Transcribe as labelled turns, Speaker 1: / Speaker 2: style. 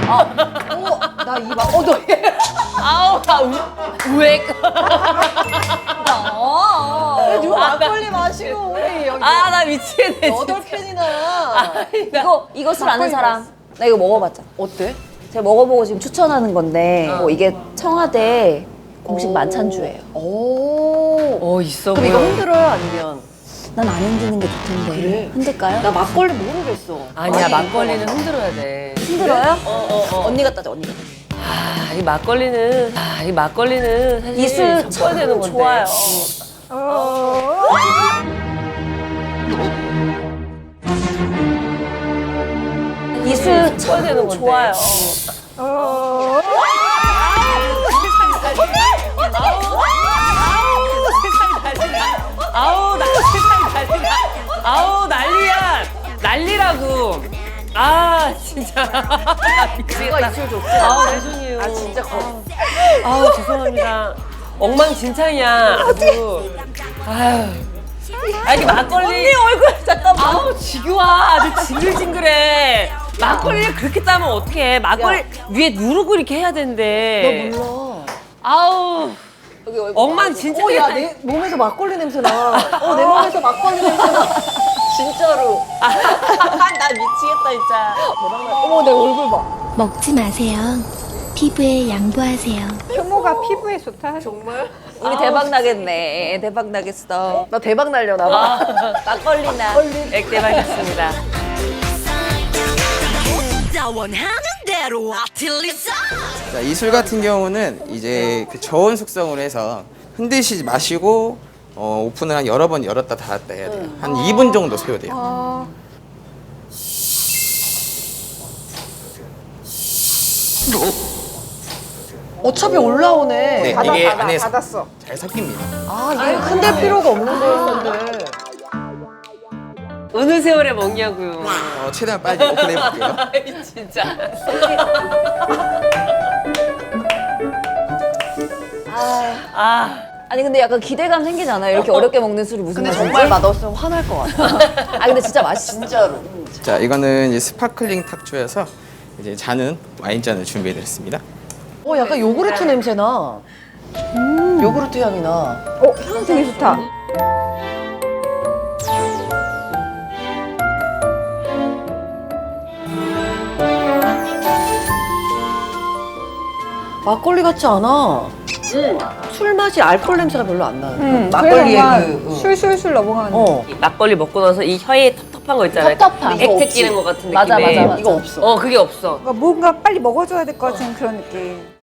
Speaker 1: 나 이 막, 너
Speaker 2: 아우 나 우액.
Speaker 1: 누가 막걸리 마시고 우리 여기
Speaker 2: 아 나 미치겠네.
Speaker 1: 8캔이나.
Speaker 3: 이거 술 아는 사람. 나 이거 먹어봤잖아.
Speaker 1: 어때?
Speaker 3: 제가 먹어보고 지금 추천하는 건데 이게 청와대 공식 만찬주예요.
Speaker 1: 오.
Speaker 2: 있어
Speaker 1: 그럼
Speaker 2: 보여.
Speaker 1: 이거 흔들어요? 아니면?
Speaker 3: 난 안 흔드는 게 좋던데.
Speaker 1: 그래?
Speaker 3: 흔들까요?
Speaker 1: 나 막걸리 모르겠어.
Speaker 2: 아니야 막걸리는 흔들어야 돼.
Speaker 3: 흔들어요? 언니가 따져, 언니가.
Speaker 2: 이 막걸리는 사실
Speaker 3: 이술
Speaker 2: 섞어야 되는 건데.
Speaker 3: 좋아요. 이술
Speaker 2: 섞어야 되는 건데.
Speaker 3: 좋아요.
Speaker 2: 아우 나 세상이 난리야. 아우 난리야. 난리라고. 아 진짜. 나 미치겠다.
Speaker 1: 누가 이술 좋지?
Speaker 2: 아우 죄송해요.
Speaker 1: 아, 진짜
Speaker 2: 아우 죄송합니다. 엉망진창이야. 아주. 아유. 이게 막걸리. 언니 얼굴 잠깐만. 아우 지겨워. 아주 징글징글해. 막걸리를 그렇게 따면 어떡해. 막걸리 위에 누르고 이렇게 해야 되는데.
Speaker 1: 너 몰라.
Speaker 2: 아우.
Speaker 3: 여기 얼굴
Speaker 2: 엉망진창이야.
Speaker 1: 야, 내 몸에서 막걸리 냄새 나. 내 몸에서 막걸리 냄새 나. 진짜로.
Speaker 2: 나 미치겠다 진짜.
Speaker 1: 어머, 내 얼굴 봐.
Speaker 4: 먹지 마세요. 피부에 양보하세요.
Speaker 5: 효모가 피부에 좋다.
Speaker 1: 정말?
Speaker 3: 우리 대박 나겠네. 대박 나겠어.
Speaker 1: 나 대박 날려나 봐.
Speaker 3: 막걸리나.
Speaker 2: 액대박이었습니다.
Speaker 6: 자, 이술 같은 경우는 이제 그 저온 숙성을 해서 흔드시지 마시고 오픈을 한 여러 번 열었다 닫았다 해야 돼요. 한 2분 정도 소요돼요.
Speaker 1: 어차피 올라오네.
Speaker 6: 네,
Speaker 5: 닫아,
Speaker 6: 이게
Speaker 5: 닫아,
Speaker 6: 안에서
Speaker 5: 닫았어.
Speaker 6: 잘 섞입니다.
Speaker 1: 아, 이게 흔들 필요가 없는 거였는데.
Speaker 2: 어느 세월에 먹냐고요.
Speaker 6: 최대한 빨리 오픈해 볼게요.
Speaker 2: 아이, 진짜.
Speaker 3: 아니 근데 약간 기대감 생기잖아요. 이렇게 어렵게 먹는 술이 무슨
Speaker 1: 근데
Speaker 3: 맛인지.
Speaker 1: 정말 맛없으면 화날 것 같아.
Speaker 3: 아 근데 진짜 맛있어.
Speaker 1: 진짜로.
Speaker 6: 자, 이거는 이제 스파클링 탁주여서 이제 잔은 와인잔을 준비해 드렸습니다.
Speaker 1: 약간 요구르트 냄새 나. 요구르트 향이 나.
Speaker 5: 향 되게 좋다.
Speaker 1: 막걸리 같지 않아. 술 맛이 알코올 냄새가 별로 안 나는데.
Speaker 5: 막걸리에
Speaker 1: 막걸리에
Speaker 5: 술술술 넘어가는.
Speaker 2: 이 막걸리 먹고 나서 이 혀에 텁텁한 거 있잖아요.
Speaker 3: 텁텁한.
Speaker 2: 액체 끼는 것 같은 느낌에.
Speaker 3: 맞아, 맞아, 맞아.
Speaker 2: 이거 없어. 그게 없어.
Speaker 5: 뭔가 빨리 먹어줘야 될 것 같은 그런 느낌.